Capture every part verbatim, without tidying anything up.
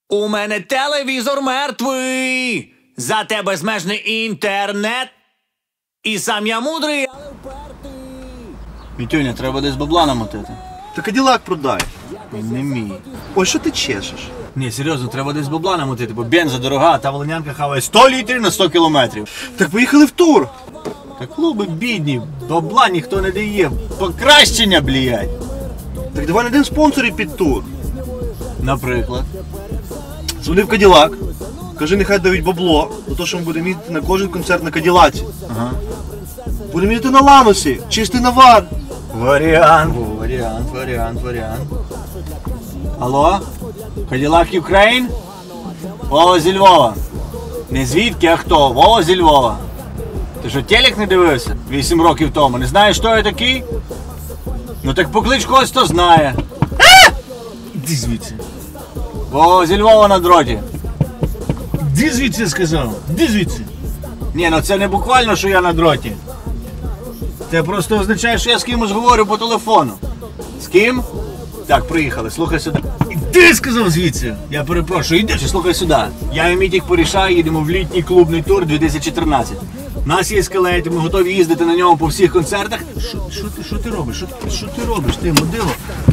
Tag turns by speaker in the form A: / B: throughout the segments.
A: У мене телевізор мертвий, зате безмежний інтернет. І сам я мудрий, але впертий.
B: Мітюня, треба десь бабла намотити.
C: Та Каділак продай.
B: Не мій.
C: Ой, що ти чешеш?
B: Ні, серйозно, треба десь бабла намотити, бо бенза дорога, а та волинянка хаває сто літрів на сто кілометрів.
C: Так поїхали в тур.
B: Та клуби бідні, бабла ніхто не дає, покращення, блядь.
C: Так давай знайдемо спонсорів під тур.
B: Наприклад.
C: Дзвони в Каділак. Кажи, нехай дають бабло, за те, що ми будемо їздити на кожен концерт на Каділаці.
B: Ага.
C: Будемо їздити на Ланосі, чистий навар.
B: Варіант. О, варіант, варіант, варіант. Алло? Каділак Юкрейн? Вова зі Львова. Не звідки, а хто? Вова зі Львова. Ти що, телек не дивився? Вісім років тому. Не знаєш, хто я такий? Ну так поклич когось, хто знає.
D: Іди звідси.
B: Вова зі Львова на дроті.
D: Іди звідси, я сказав. Іди звідси.
B: Ні, ну це не буквально, що я на дроті. Це просто означає, що я з кимось говорю по телефону. З ким? Так, приїхали, слухай сюди.
D: Іди, сказав звідси.
B: Я перепрошую, йди, чи слухай сюди. Я і Мітік Порішай їдемо в літній клубний тур дві тисячі тринадцять. У нас є скелет, ми готові їздити на ньому по всіх концертах.
D: Що, що, ти, що ти робиш? Що, що ти робиш, ти, мудило?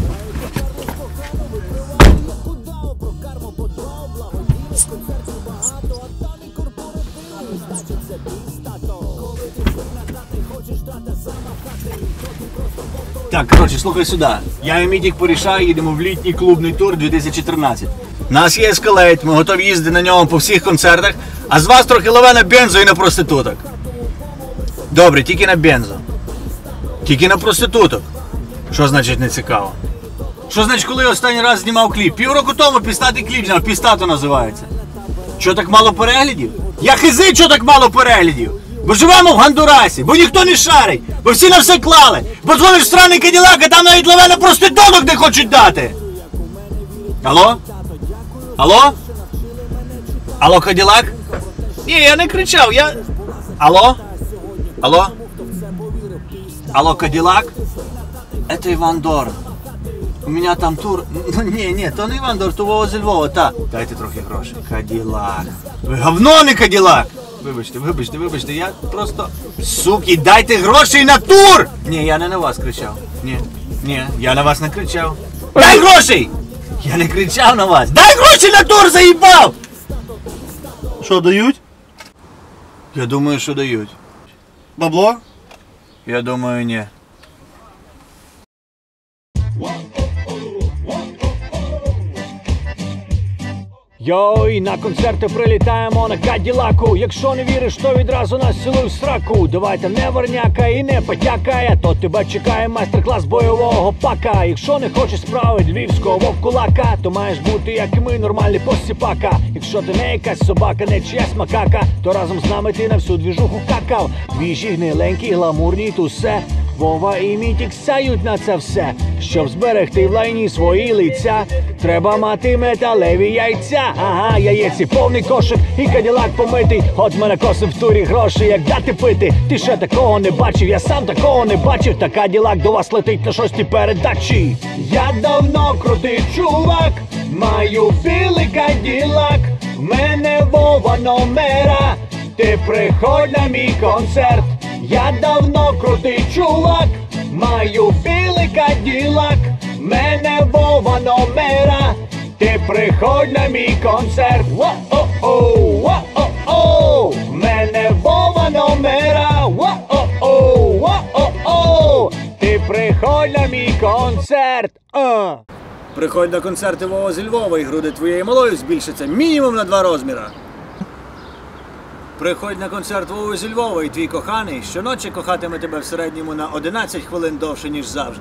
B: Так, коротше, слухай сюди. Я і Мітік Порішай їдемо в літній клубний тур дві тисячі тринадцять. У нас є ескалейт, ми готові їздити на ньому по всіх концертах, а з вас трохи лове на бензо і на проституток. Добре, тільки на бензо. Тільки на проституток. Що значить не цікаво? Що значить, коли я останній раз знімав кліп? Півроку тому пістатий кліп зняв, пістато називається. Що так мало переглядів? Я хизи, що так мало переглядів? Бо живемо в Гондурасі, бо ніхто не шарить, бо всі на все клали, бо дзвониш в сраний Каділак, а там навіть лаве на проституток не хочуть дати. Алло? Алло? Алло, Каділак? Ні, я не кричав, я... Алло? Алло? Алло, Каділак? Это Іван Дорн. У мене там тур... Ну, ні, ні, то не Іван Дорн, то Вова зі Львова, та. Дайте трохи грошей. Каділак. Ви говно, не Каділак! Вибачте, вибачте, вибачте, я просто... Суки, дайте грошей на тур! Ні, я не на вас кричав. Ні, ні, я на вас не кричав. Дай грошей! Я не кричав на вас. Дай гроші на тур, заїбав!
C: Що, дають?
B: Я думаю, що дають.
C: Бабло?
B: Я думаю, ні.
E: Йой, на концерти прилітаємо на Каділаку. Якщо не віриш, то відразу нас цілуй в сраку. Давайте не верняка і не потякає, то тебе чекає майстер-клас бойового пака. Якщо не хочеш справи львівського вовкулака, то маєш бути, як і ми, нормальний посіпака. Якщо ти не якась собака, не чиясь макака, то разом з нами ти на всю двіжуху какав. Віжі гниленькі, гламурні, тусе. Вова і Мітік сяють на це все. Щоб зберегти в лайні свої лиця, треба мати металеві яйця. Ага, яєці повний кошик і Каділак помитий. От мене косим в турі гроші, як дати пити. Ти ще такого не бачив, я сам такого не бачив. Та Каділак до вас летить на шостій передачі. Я давно крутий чувак, маю білий Каділак. В мене Вова номера, ти приходь на мій концерт. Я давно крутий чувак, маю білий Каділак. Мене Вова номера, ти приходь на мій концерт. Во-о-о, во-о-о, мене Вова номера. Во-о-о, во-о-о, ти приходь на мій концерт. А.
B: Приходь на концерти Вова зі Львова і груди твоєї малої збільшаться мінімум на два розміра. Приходь на концерт Вови зі Львова і твій коханий щоночі кохатиме тебе в середньому на одинадцять хвилин довше, ніж завжди.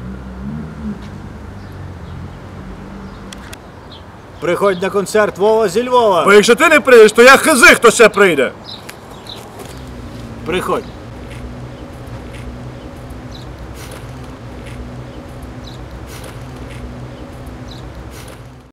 B: Приходь на концерт Вова зі Львова.
C: Бо якщо ти не прийдеш, то я хизи, хто ще прийде.
B: Приходь.